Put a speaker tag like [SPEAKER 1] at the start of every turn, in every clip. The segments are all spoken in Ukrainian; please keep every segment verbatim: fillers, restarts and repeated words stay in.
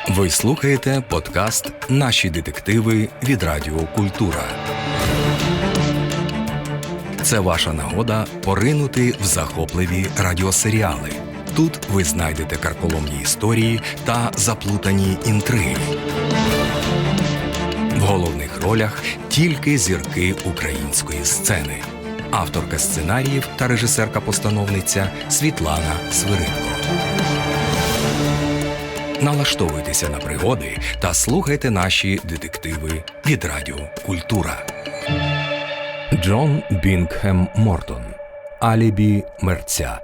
[SPEAKER 1] Ви слухаєте подкаст «Наші детективи» від Радіо Культура. Це ваша нагода поринути в захопливі радіосеріали. Тут ви знайдете карколомні історії та заплутані інтриги. В головних ролях тільки зірки української сцени. Авторка сценаріїв та режисерка-постановниця Світлана Свиридко. Налаштовуйтеся на пригоди та слухайте наші детективи від Радіо Культура. Джон Бінгхем Мортон. Алібі мерця.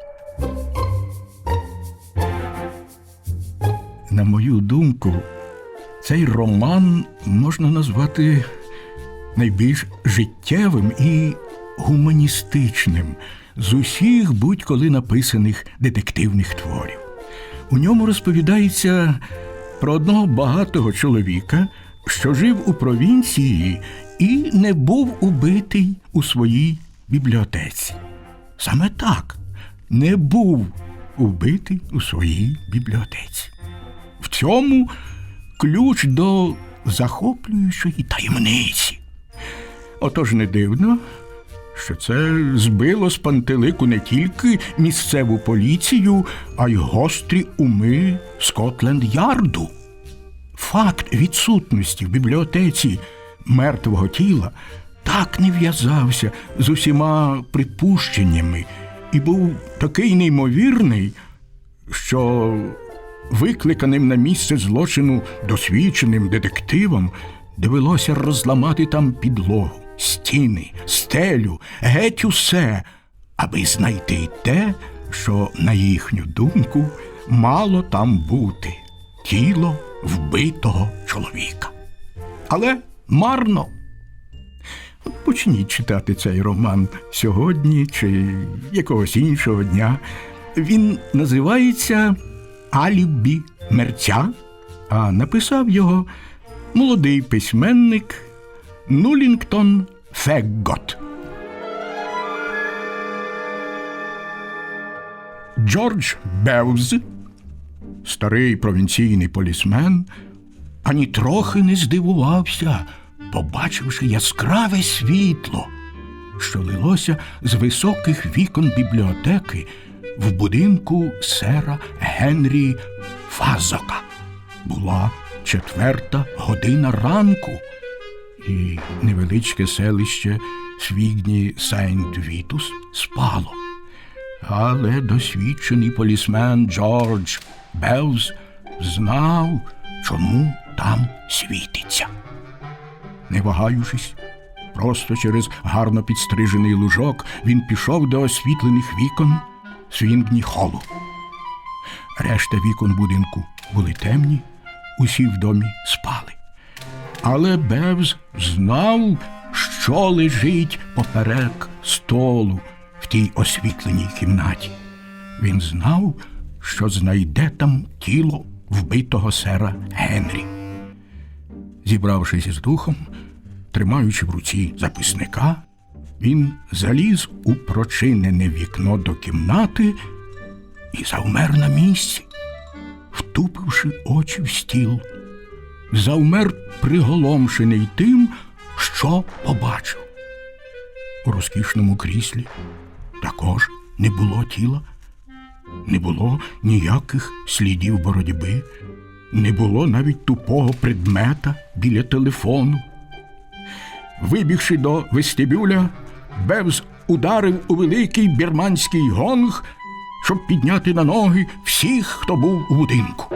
[SPEAKER 2] На мою думку, цей роман можна назвати найбільш життєвим і гуманістичним з усіх будь-коли написаних детективних творів. У ньому розповідається про одного багатого чоловіка, що жив у провінції і не був убитий у своїй бібліотеці. Саме так, не був убитий у своїй бібліотеці. В цьому ключ до захоплюючої таємниці. Отож не дивно, що це збило з пантелику не тільки місцеву поліцію, а й гострі уми Скотленд-Ярду. Факт відсутності в бібліотеці мертвого тіла так не в'язався з усіма припущеннями і був такий неймовірний, що викликаним на місце злочину досвідченим детективам довелося розламати там підлогу, стіни, стелю, геть усе, аби знайти те, що, на їхню думку, мало там бути – тіло вбитого чоловіка. Але марно. От почніть читати цей роман сьогодні чи якогось іншого дня. Він називається «Алібі мерця», а написав його молодий письменник Нулінгтон Феггот. Джордж Бевз, старий провінційний полісмен, ані трохи не здивувався, побачивши яскраве світло, що лилося з високих вікон бібліотеки в будинку сера Генрі Фазока. Була четверта година ранку, і невеличке селище Свігні Сейнт-Вітус спало. Але досвідчений полісмен Джордж Бевз знав, чому там світиться. Не вагаючись, просто через гарно підстрижений лужок він пішов до освітлених вікон Свігні-холу. Решта вікон будинку були темні, усі в домі спали. Але Бевз знав, що лежить поперек столу в тій освітленій кімнаті. Він знав, що знайде там тіло вбитого сера Генрі. Зібравшись із духом, тримаючи в руці записника, він заліз у прочинене вікно до кімнати і завмер на місці, втупивши очі в стіл. Завмер приголомшений тим, що побачив. У розкішному кріслі також не було тіла, не було ніяких слідів боротьби, не було навіть тупого предмета біля телефону. Вибігши до вестибюля, Бевз ударив у великий бірманський гонг, щоб підняти на ноги всіх, хто був у будинку.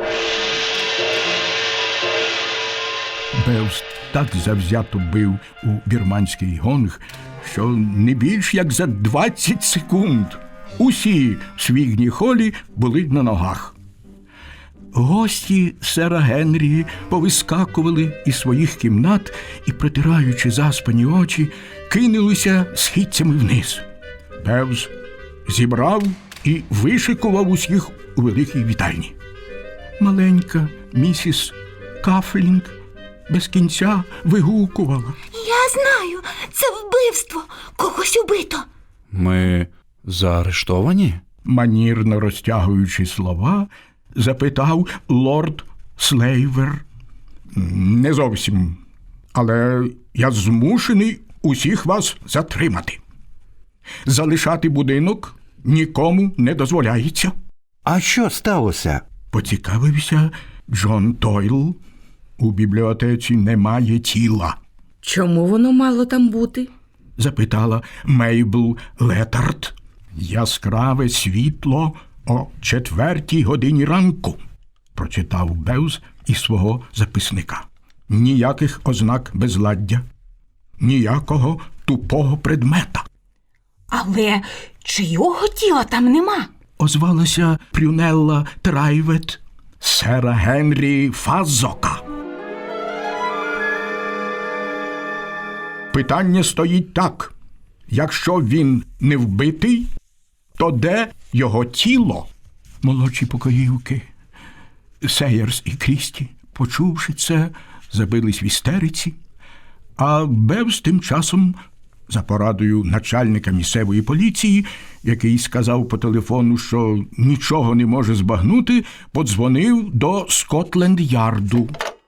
[SPEAKER 2] Бевз так завзято бив у бірманський гонг, що не більш як за двадцять секунд усі в Свігні-холі були на ногах. Гості сера Генрі повискакували із своїх кімнат і, притираючи заспані очі, кинулися східцями вниз. Бевз зібрав і вишикував усіх у великій вітальні. Маленька місіс Кафлінг без кінця вигукувала:
[SPEAKER 3] «Я знаю, це вбивство, когось убито».
[SPEAKER 4] Ми заарештовані?
[SPEAKER 2] Манірно розтягуючи слова, запитав лорд Слейвер? Не зовсім. Але я змушений усіх вас затримати. Залишати будинок нікому не дозволяється.
[SPEAKER 4] А що сталося?
[SPEAKER 2] Поцікавився Джон Дойл. У бібліотеці немає тіла.
[SPEAKER 5] Чому воно мало там бути?
[SPEAKER 2] Запитала Мейбл Летард. Яскраве світло о четвертій годині ранку, прочитав Бевз із свого записника. Ніяких ознак безладдя, ніякого тупого предмета.
[SPEAKER 3] Але чийого тіла там нема?
[SPEAKER 2] Озвалася Прюнелла Трайвет, сера Генрі Фазока. Питання стоїть так. Якщо він не вбитий, то де його тіло? Молодші покоївки, Сейерс і Крісті, почувши це, забились в істериці, а Бевз тим часом, за порадою начальника місцевої поліції, який сказав по телефону, що нічого не може збагнути, подзвонив до Скотленд-Ярду.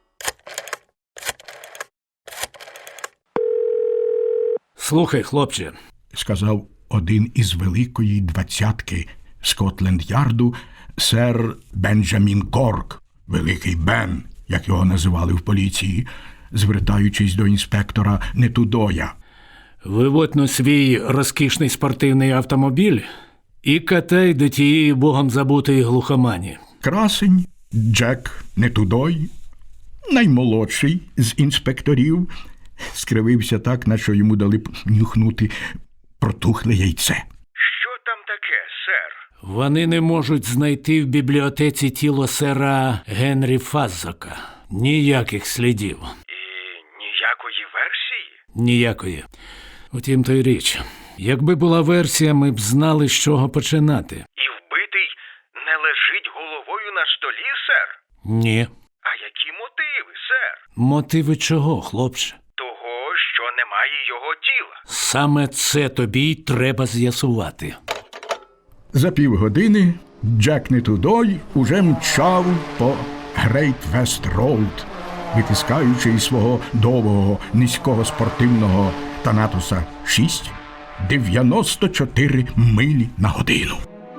[SPEAKER 6] Слухай, хлопче,
[SPEAKER 2] Сказав один із великої двадцятки Скотленд-Ярду сер Бенджамін Корк, Великий Бен, як його називали в поліції, звертаючись до інспектора Нетудоя.
[SPEAKER 6] виводь на свій розкішний спортивний автомобіль і катай до тієї богом забутої глухомані.
[SPEAKER 2] Красень Джек Нетудой, наймолодший з інспекторів, скривився так, наче йому дали б нюхнути протухле яйце.
[SPEAKER 7] Що там таке, сер?
[SPEAKER 6] Вони не можуть знайти в бібліотеці тіло сера Генрі Фаззока. Ніяких слідів.
[SPEAKER 7] І ніякої версії?
[SPEAKER 6] Ніякої. Утім, то й річ. Якби була версія, ми б знали, з чого починати.
[SPEAKER 7] І вбитий не лежить головою на столі, сер?
[SPEAKER 6] Ні.
[SPEAKER 7] А які мотиви, сер?
[SPEAKER 6] Мотиви чого, хлопче?
[SPEAKER 7] Того, що немає його тіла.
[SPEAKER 6] Саме це тобі й треба з'ясувати.
[SPEAKER 2] За півгодини Джек Нетудой уже мчав по Грейт Вест Роуд, витискаючи із свого довгого низького спортивного Танатуса шість дев'яносто чотири милі на годину.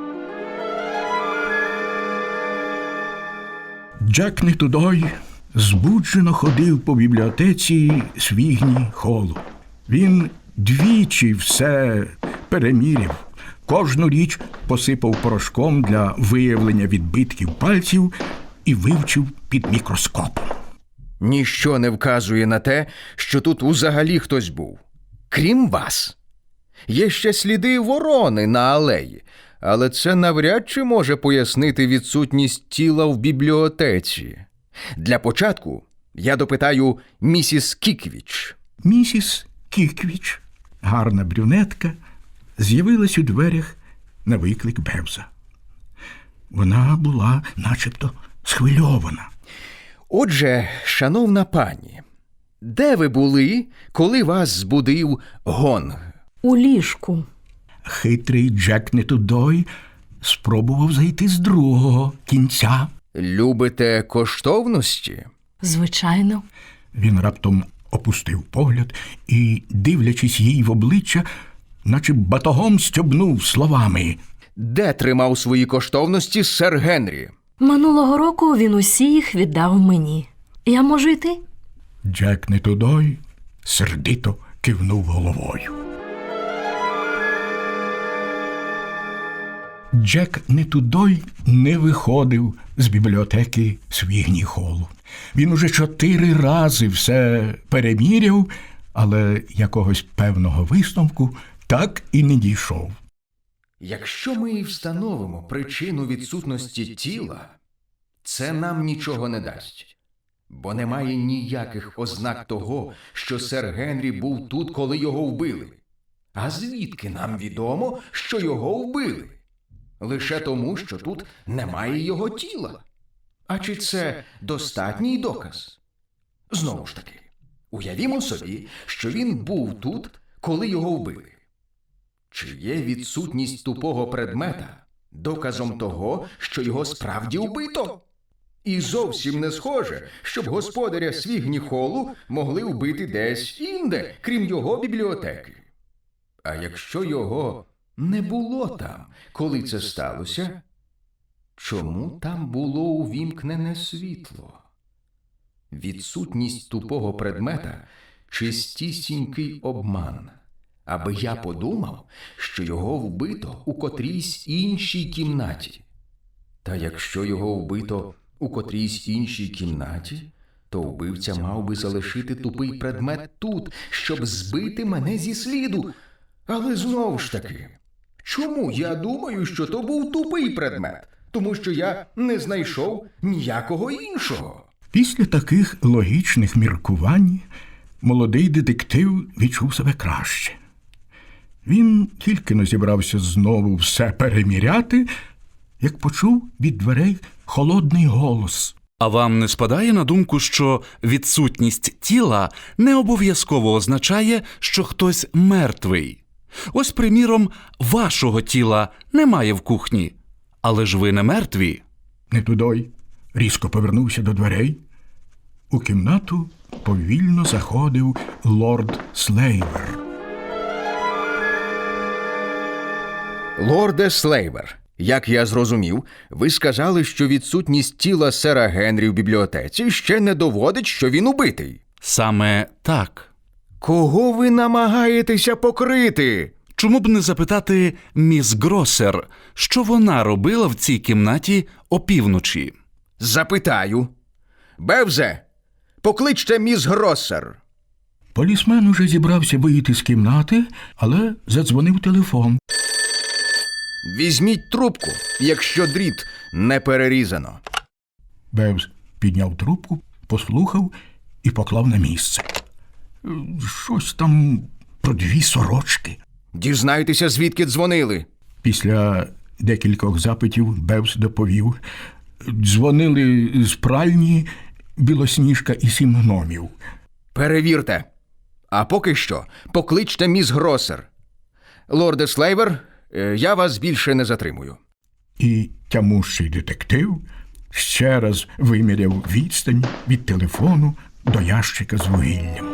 [SPEAKER 2] Джек Нетудой збуджено ходив по бібліотеці Свігні Холу. Він двічі все переміряв, кожну річ посипав порошком для виявлення відбитків пальців і вивчив під мікроскопом.
[SPEAKER 8] Ніщо не вказує на те, що тут взагалі хтось був. Крім вас. Є ще сліди ворони на алеї, але це навряд чи може пояснити відсутність тіла в бібліотеці. Для початку я допитаю місіс Кіквіч.
[SPEAKER 2] Місіс Кіквіч, гарна брюнетка, з'явилась у дверях на виклик Бевза. Вона була начебто схвильована.
[SPEAKER 8] Отже, шановна пані, де ви були, коли вас збудив гонг?
[SPEAKER 5] У ліжку.
[SPEAKER 2] Хитрий Джек Нетудой спробував зайти з другого кінця.
[SPEAKER 8] Любите коштовності?
[SPEAKER 5] Звичайно.
[SPEAKER 2] Він раптом опустив погляд і, дивлячись їй в обличчя, наче батогом стьобнув словами.
[SPEAKER 8] Де тримав свої коштовності сер Генрі?
[SPEAKER 5] Минулого року він усі їх віддав мені. Я можу йти?
[SPEAKER 2] Джек Нетудой сердито кивнув головою. Джек Нетудой не виходив з бібліотеки Свігні Холу. Він уже чотири рази все переміряв, але якогось певного висновку так і не дійшов.
[SPEAKER 8] Якщо ми і встановимо причину відсутності тіла, це нам нічого не дасть. Бо немає ніяких ознак того, що сер Генрі був тут, коли його вбили. А звідки нам відомо, що його вбили? Лише тому, що тут немає його тіла. А чи це достатній доказ? Знову ж таки, уявімо собі, що він був тут, коли його вбили. Чи є відсутність тупого предмета доказом того, що його справді вбито? І зовсім не схоже, щоб господаря Свігні-Холу могли вбити десь інде, крім його бібліотеки. А якщо його не було там, коли це сталося, чому там було увімкнене світло? Відсутність тупого предмета – чистісінький обман, аби я подумав, що його вбито у котрійсь іншій кімнаті. Та якщо його вбито у котрійсь іншій кімнаті, то вбивця мав би залишити тупий предмет тут, щоб збити мене зі сліду. Але знову ж таки, чому я думаю, що то був тупий предмет? Тому що я не знайшов ніякого іншого.
[SPEAKER 2] Після таких логічних міркувань молодий детектив відчув себе краще. Він тільки не зібрався знову все переміряти, як почув від дверей холодний голос.
[SPEAKER 4] А вам не спадає на думку, що відсутність тіла не обов'язково означає, що хтось мертвий? Ось, приміром, вашого тіла немає в кухні, але ж ви не мертві.
[SPEAKER 2] Нетудой різко повернувся до дверей. У кімнату повільно заходив лорд Слейвер.
[SPEAKER 8] Лорде Слейвер, як я зрозумів, ви сказали, що відсутність тіла сера Генрі в бібліотеці ще не доводить, що він убитий.
[SPEAKER 4] Саме так.
[SPEAKER 8] Кого ви намагаєтеся покрити?
[SPEAKER 4] Чому б не запитати міс Гроссер, що вона робила в цій кімнаті опівночі?
[SPEAKER 8] Запитаю. Бевзе, покличте міс Гроссер.
[SPEAKER 2] Полісмен уже зібрався вийти з кімнати, але задзвонив телефон.
[SPEAKER 8] Візьміть трубку, якщо дріт не перерізано.
[SPEAKER 2] Бевз підняв трубку, послухав і поклав на місце. Щось там про дві сорочки.
[SPEAKER 8] Дізнайтеся, звідки дзвонили.
[SPEAKER 2] Після декількох запитів Бевз доповів. Дзвонили з пральні Білосніжка і сім гномів.
[SPEAKER 8] Перевірте. А поки що покличте міс Гроссер. Лорде Слейвер, е, я вас більше не затримую.
[SPEAKER 2] І тямущий детектив ще раз виміряв відстань від телефону до ящика з вугіллям.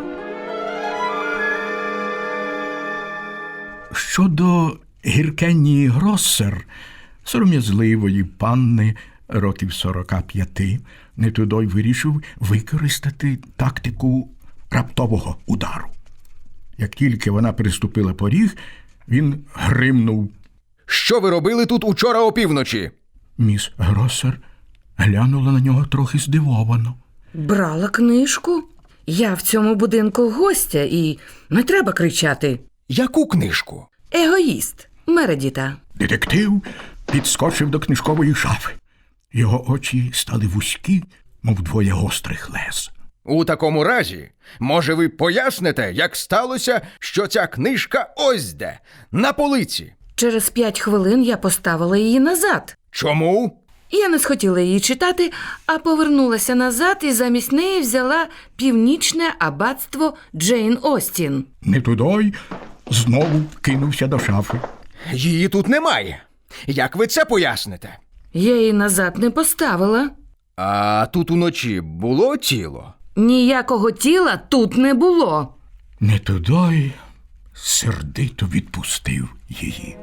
[SPEAKER 2] Щодо Гіркенії Гроссер, сором'язливої панни років сорока п'яти, Нетудой вирішив використати тактику раптового удару. Як тільки вона переступила поріг, він гримнув.
[SPEAKER 8] Що ви робили тут учора опівночі?
[SPEAKER 2] Міс Гроссер глянула на нього трохи здивовано.
[SPEAKER 9] Брала книжку. Я в цьому будинку гостя і не треба кричати.
[SPEAKER 8] Яку книжку?
[SPEAKER 9] Егоїст Мередіта.
[SPEAKER 2] Детектив підскочив до книжкової шафи. Його очі стали вузькі, мов двоє гострих лез.
[SPEAKER 8] У такому разі, може, ви поясните, як сталося, що ця книжка ось де, на полиці?
[SPEAKER 9] Через п'ять хвилин я поставила її назад.
[SPEAKER 8] Чому?
[SPEAKER 9] Я не схотіла її читати, а повернулася назад і замість неї взяла «Північне аббатство Джейн Остін».
[SPEAKER 2] Нетудой знову кинувся до шафи.
[SPEAKER 8] Її тут немає. Як ви це поясните?
[SPEAKER 9] Я її назад не поставила.
[SPEAKER 8] А тут уночі було тіло?
[SPEAKER 9] Ніякого тіла тут не було.
[SPEAKER 2] Нетудой сердито відпустив її.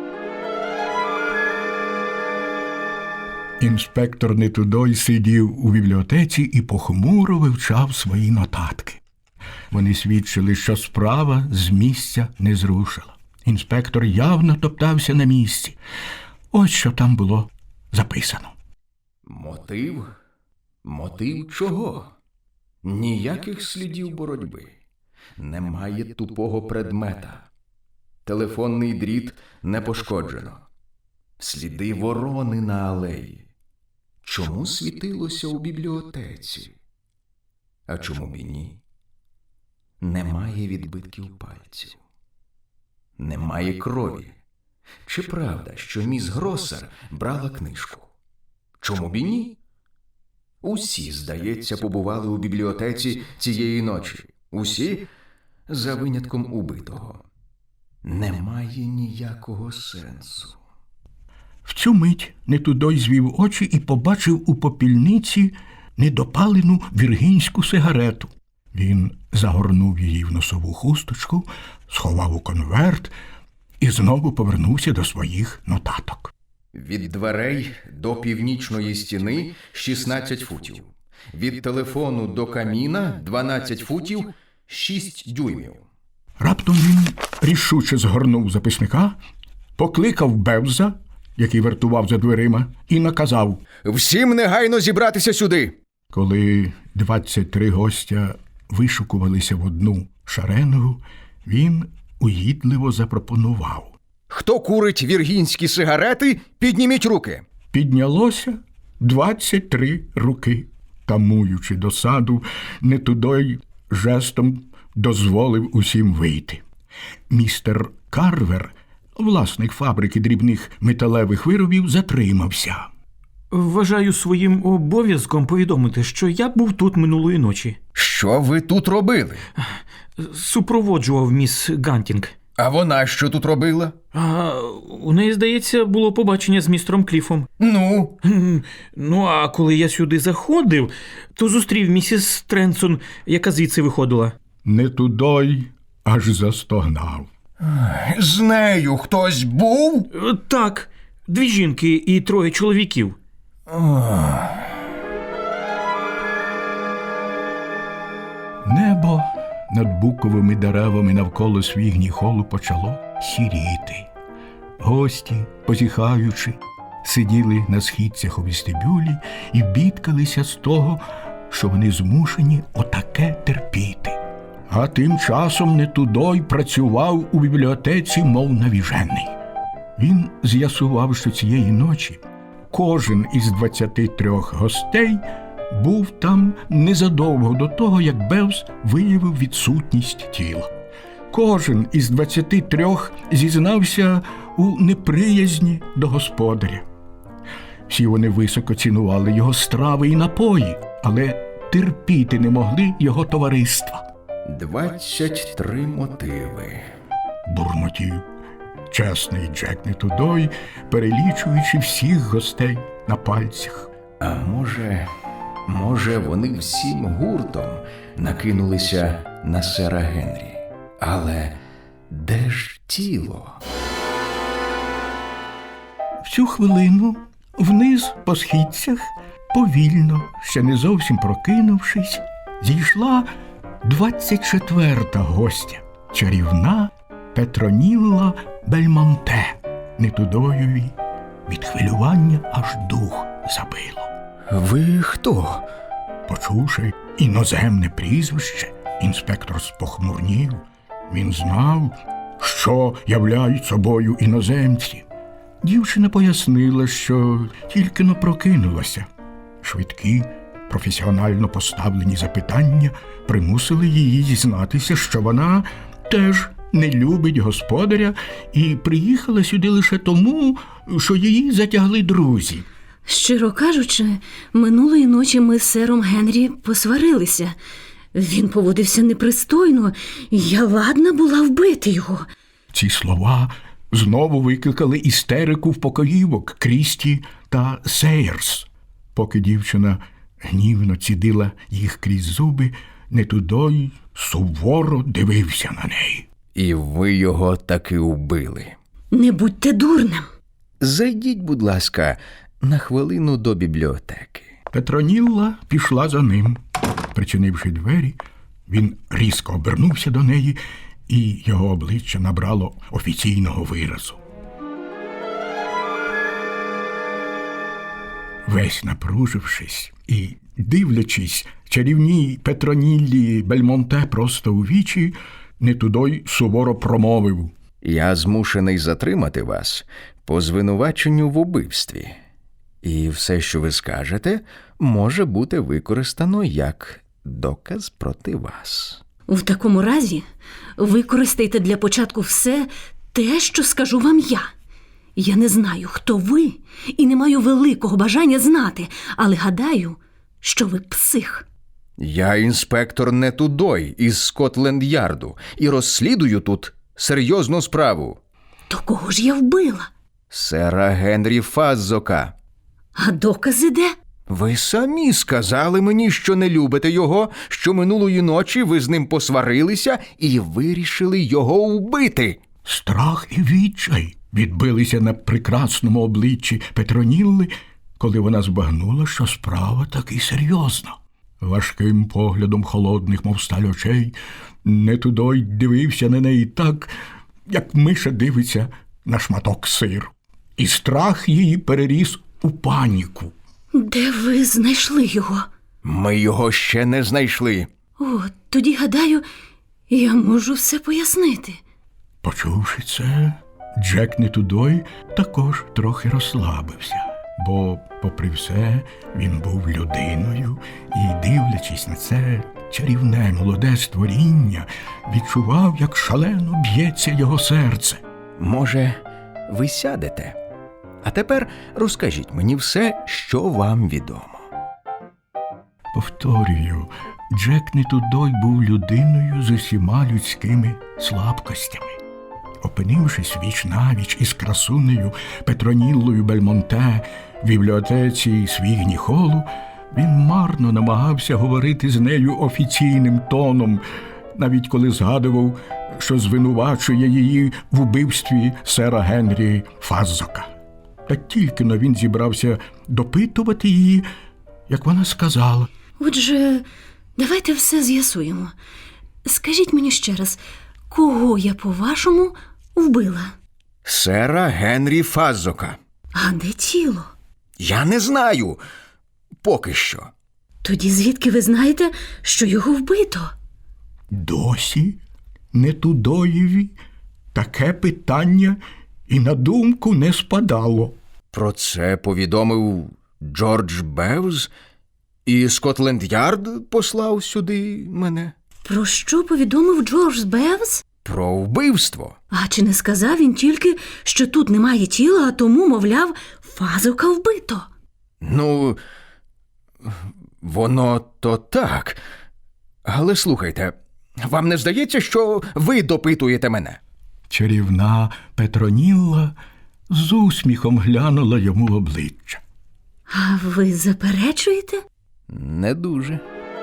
[SPEAKER 2] Інспектор Нетудой сидів у бібліотеці і похмуро вивчав свої нотатки. Вони свідчили, що справа з місця не зрушила. Інспектор явно топтався на місці. Ось що там було записано.
[SPEAKER 8] Мотив? Мотив чого? Ніяких слідів боротьби. Немає тупого предмета. Телефонний дріт не пошкоджено. Сліди ворони на алеї. Чому світилося у бібліотеці? А чому б і ні? Немає відбитків пальців. Немає крові. Чи правда, що міс Гроссер брала книжку? Чому б і ні? Усі, здається, побували у бібліотеці цієї ночі. Усі, за винятком убитого. Немає ніякого сенсу.
[SPEAKER 2] В цю мить Нетудой звів очі і побачив у попільниці недопалену віргінську сигарету. Він загорнув її в носову хусточку, сховав у конверт і знову повернувся до своїх нотаток.
[SPEAKER 8] Від дверей до північної стіни шістнадцять футів. Від телефону до каміна дванадцять футів шість дюймів.
[SPEAKER 2] Раптом він рішуче згорнув записника, покликав Бевза, який вартував за дверима, і наказав:
[SPEAKER 8] «Всім негайно зібратися сюди!»
[SPEAKER 2] Коли двадцять три гостя вишукувалися в одну шаренгу, він угідливо запропонував:
[SPEAKER 8] «Хто курить віргінські сигарети, підніміть руки!»
[SPEAKER 2] Піднялося двадцять три руки. Тамуючи досаду, Нетудой жестом дозволив усім вийти. Містер Карвер, власник фабрики дрібних металевих виробів, затримався.
[SPEAKER 10] Вважаю своїм обов'язком повідомити, що я був тут минулої ночі.
[SPEAKER 8] «Що ви тут робили?»
[SPEAKER 10] Супроводжував міс Гантінг.
[SPEAKER 8] «А вона що тут робила?»
[SPEAKER 10] А у неї, здається, було побачення з містером Кліфом.
[SPEAKER 8] «Ну?»
[SPEAKER 10] Ну, а коли я сюди заходив, то зустрів місіс Тренсон, яка звідси виходила.
[SPEAKER 2] Нетудой аж застогнав.
[SPEAKER 8] «З нею хтось був?»
[SPEAKER 10] Так, дві жінки і троє чоловіків.
[SPEAKER 2] Небо над буковими деревами навколо свігні холу почало сіріти. Гості, позіхаючи, сиділи на східцях у вестибюлі і бідкалися з того, що вони змушені отаке терпіти. А тим часом Нетудой працював у бібліотеці, мов навіжений. Він з'ясував, що цієї ночі кожен із двадцяти трьох гостей був там незадовго до того, як Бевз виявив відсутність тіла. Кожен із двадцяти трьох зізнався у неприязні до господаря. Всі вони високо цінували його страви і напої, але терпіти не могли його товариства.
[SPEAKER 8] «Двадцять три мотиви»,
[SPEAKER 2] бурмотів чесний Джек Нетудой, перелічуючи всіх гостей на пальцях.
[SPEAKER 8] «А може, може, вони всім гуртом накинулися на сера Генрі? Але де ж тіло?»
[SPEAKER 2] В цю хвилину вниз по східцях, повільно, ще не зовсім прокинувшись, зійшла двадцять четверта гостя, чарівна Петронілла Бельмонте. Нетудоєві від хвилювання аж дух забило.
[SPEAKER 8] «Ви хто?»
[SPEAKER 2] Почувши іноземне прізвище, інспектор спохмурнів. Він знав, що являють собою іноземці. Дівчина пояснила, що тільки-но прокинулася. Швидкі, професіонально поставлені запитання примусили її зізнатися, що вона теж не любить господаря і приїхала сюди лише тому, що її затягли друзі.
[SPEAKER 3] Щиро кажучи, минулої ночі ми з сером Генрі посварилися. Він поводився непристойно, і я ладна була вбити його.
[SPEAKER 2] Ці слова знову викликали істерику в покоївок Крісті та Сейерс. Поки дівчина гнівно цідила їх крізь зуби, Нетудой суворо дивився на неї.
[SPEAKER 8] «І ви його таки убили?»
[SPEAKER 3] Не будьте дурним.
[SPEAKER 8] «Зайдіть, будь ласка, на хвилину до бібліотеки».
[SPEAKER 2] Петронілла пішла за ним. Причинивши двері, він різко обернувся до неї, і його обличчя набрало офіційного виразу. Весь напружившись і дивлячись чарівній Петроніллі Бельмонте просто у вічі, Нетудой суворо промовив:
[SPEAKER 8] «Я змушений затримати вас по звинуваченню в убивстві. І все, що ви скажете, може бути використано як доказ проти вас».
[SPEAKER 3] В такому разі використайте для початку все те, що скажу вам я. Я не знаю, хто ви, і не маю великого бажання знати, але гадаю, що ви псих.
[SPEAKER 8] «Я інспектор Нетудой із Скотленд-Ярду і розслідую тут серйозну справу».
[SPEAKER 3] То кого ж я вбила?
[SPEAKER 8] Сера Генрі Фаззока.
[SPEAKER 3] А докази де?
[SPEAKER 8] Ви самі сказали мені, що не любите його, що минулої ночі ви з ним посварилися і вирішили його вбити.
[SPEAKER 2] Страх і відчай відбилися на прекрасному обличчі Петронілли, коли вона збагнула, що справа таки серйозна. Важким поглядом холодних, мов сталь очей, Нетудой дивився на неї так, як миша дивиться на шматок сиру. І страх її переріс у паніку.
[SPEAKER 3] Де ви знайшли його?
[SPEAKER 8] Ми його ще не знайшли.
[SPEAKER 3] О, тоді, гадаю, я можу все пояснити.
[SPEAKER 2] Почувши це, Джек Нетудой також трохи розслабився, бо, попри все, він був людиною і, дивлячись на це чарівне молоде створіння, відчував, як шалено б'ється його серце.
[SPEAKER 8] Може, ви сядете? А тепер розкажіть мені все, що вам відомо.
[SPEAKER 2] Повторюю, Джек Нетудой був людиною з усіма людськими слабкостями. Опинившись віч-навіч із красунею Петроніллою Бельмонте в бібліотеці Свігні Холу, він марно намагався говорити з нею офіційним тоном, навіть коли згадував, що звинувачує її в убивстві сера Генрі Фаззока. Та тільки-но він зібрався допитувати її, як вона сказала:
[SPEAKER 3] Отже, давайте все з'ясуємо. Скажіть мені ще раз, кого я, по-вашому, вбила?
[SPEAKER 8] Сера Генрі Фаззока.
[SPEAKER 3] А де тіло?
[SPEAKER 8] Я не знаю. Поки що.
[SPEAKER 3] Тоді звідки ви знаєте, що його вбито?
[SPEAKER 2] Досі Нетудоєві таке питання і на думку не спадало.
[SPEAKER 8] Про це повідомив Джордж Бевз, і Скотленд-Ярд послав сюди мене.
[SPEAKER 3] Про що повідомив Джордж Бевз?
[SPEAKER 8] Про вбивство.
[SPEAKER 3] А чи не сказав він тільки, що тут немає тіла, а тому, мовляв, Фаззока вбито?
[SPEAKER 8] Ну, воно то так. Але слухайте, вам не здається, що ви допитуєте мене?
[SPEAKER 2] Чарівна Петронілла з усміхом глянула йому в обличчя.
[SPEAKER 3] А ви заперечуєте?
[SPEAKER 8] Не дуже.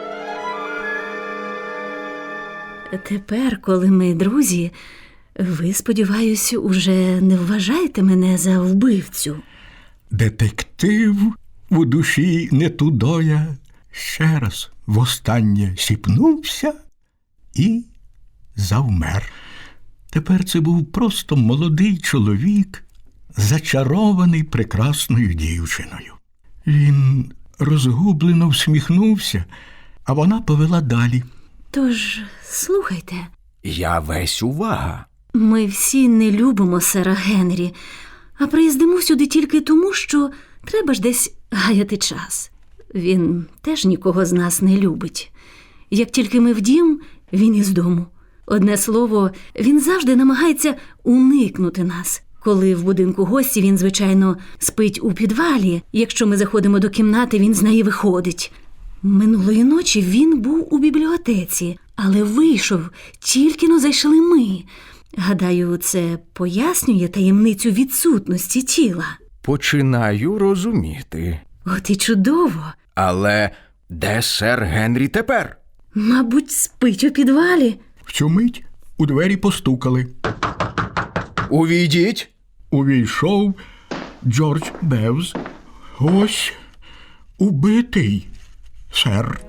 [SPEAKER 3] Тепер, коли ми друзі, ви, сподіваюсь, уже не вважаєте мене за вбивцю.
[SPEAKER 2] Детектив у душі Нетудоя ще раз востаннє сіпнувся і завмер. Тепер це був просто молодий чоловік, зачарований прекрасною дівчиною. Він розгублено всміхнувся, а вона повела далі.
[SPEAKER 3] Тож, слухайте.
[SPEAKER 8] Я весь увага.
[SPEAKER 3] Ми всі не любимо сера Генрі, а приїздимо сюди тільки тому, що треба ж десь гаяти час. Він теж нікого з нас не любить. Як тільки ми в дім, він із дому. Одне слово, він завжди намагається уникнути нас. Коли в будинку гості, він, звичайно, спить у підвалі. Якщо ми заходимо до кімнати, він з неї виходить. Минулої ночі він був у бібліотеці, але вийшов, тільки-но зайшли ми. Гадаю, це пояснює таємницю відсутності тіла.
[SPEAKER 8] Починаю розуміти.
[SPEAKER 3] От і чудово.
[SPEAKER 8] Але де сер Генрі тепер?
[SPEAKER 3] Мабуть, спить у підвалі.
[SPEAKER 2] В цю мить у двері постукали.
[SPEAKER 8] Увійдіть.
[SPEAKER 2] Увійшов Джордж Бевз. Ось убитий, сер.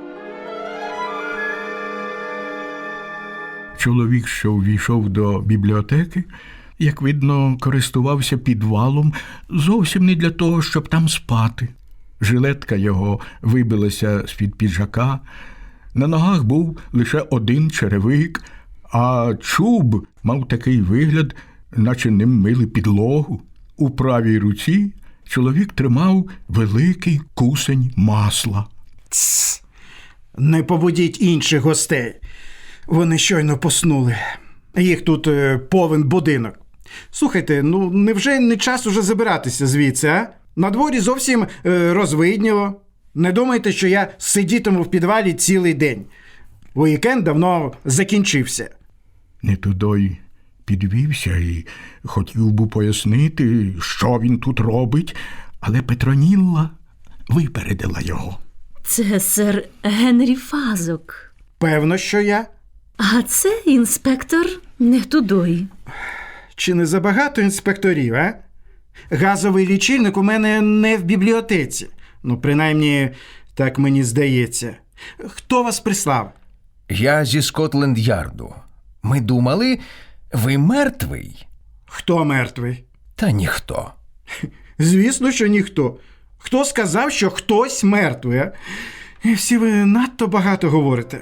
[SPEAKER 2] Чоловік, що увійшов до бібліотеки, як видно, користувався підвалом зовсім не для того, щоб там спати. Жилетка його вибилася з-під піджака, на ногах був лише один черевик, а чуб мав такий вигляд, наче ним мили підлогу. У правій руці чоловік тримав великий кусень масла.
[SPEAKER 11] Тсс! Не побудіть інших гостей. Вони щойно поснули. Їх тут е, повен будинок. Слухайте, ну невже не час уже забиратися звідси, а? На дворі зовсім е, розвидніло. Не думайте, що я сидітиму в підвалі цілий день. Уікенд давно закінчився.
[SPEAKER 2] Нетудой підвівся і хотів би пояснити, що він тут робить, але Петронілла випередила його.
[SPEAKER 3] Це сер Генрі Фазок.
[SPEAKER 11] Певно, що я.
[SPEAKER 3] А це інспектор Нехтудой.
[SPEAKER 11] Чи не забагато інспекторів, а? Газовий лічильник у мене не в бібліотеці. Ну, принаймні, так мені здається. Хто вас прислав?
[SPEAKER 8] Я зі Скотленд-Ярду. Ми думали, ви мертвий.
[SPEAKER 11] Хто мертвий?
[SPEAKER 8] Та ніхто.
[SPEAKER 11] Звісно, що ніхто. Хто сказав, що хтось мертвий, а? І всі ви надто багато говорите.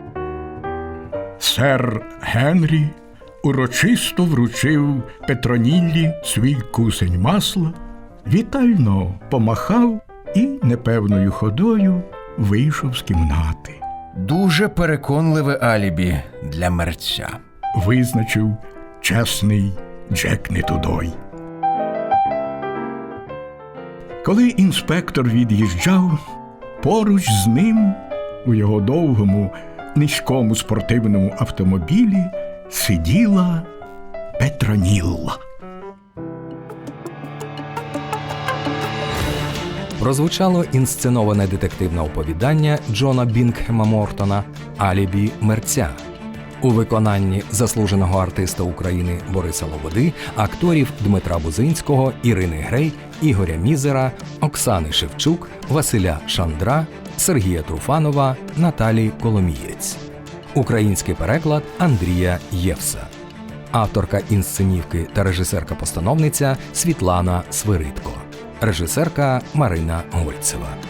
[SPEAKER 2] Сер Генрі урочисто вручив Петроніллі свій кусень масла, вітально помахав і непевною ходою вийшов з кімнати.
[SPEAKER 8] Дуже переконливе алібі для мерця.
[SPEAKER 2] Визначив чесний Джек Нетудой. Коли інспектор від'їжджав, поруч з ним у його довгому, низькому спортивному автомобілі сиділа Петронілла.
[SPEAKER 1] Прозвучало інсценоване детективне оповідання Джона Бінгхема Мортона «Алібі мерця» у виконанні заслуженого артиста України Бориса Лободи, акторів Дмитра Бузинського, Ірини Грей, Ігоря Мізера, Оксани Шевчук, Василя Шандра, Сергія Труфанова, Наталі Коломієць. Український переклад Андрія Євса. Авторка інсценівки та режисерка-постановниця Світлана Свиридко. Режисерка Марина Гольцева.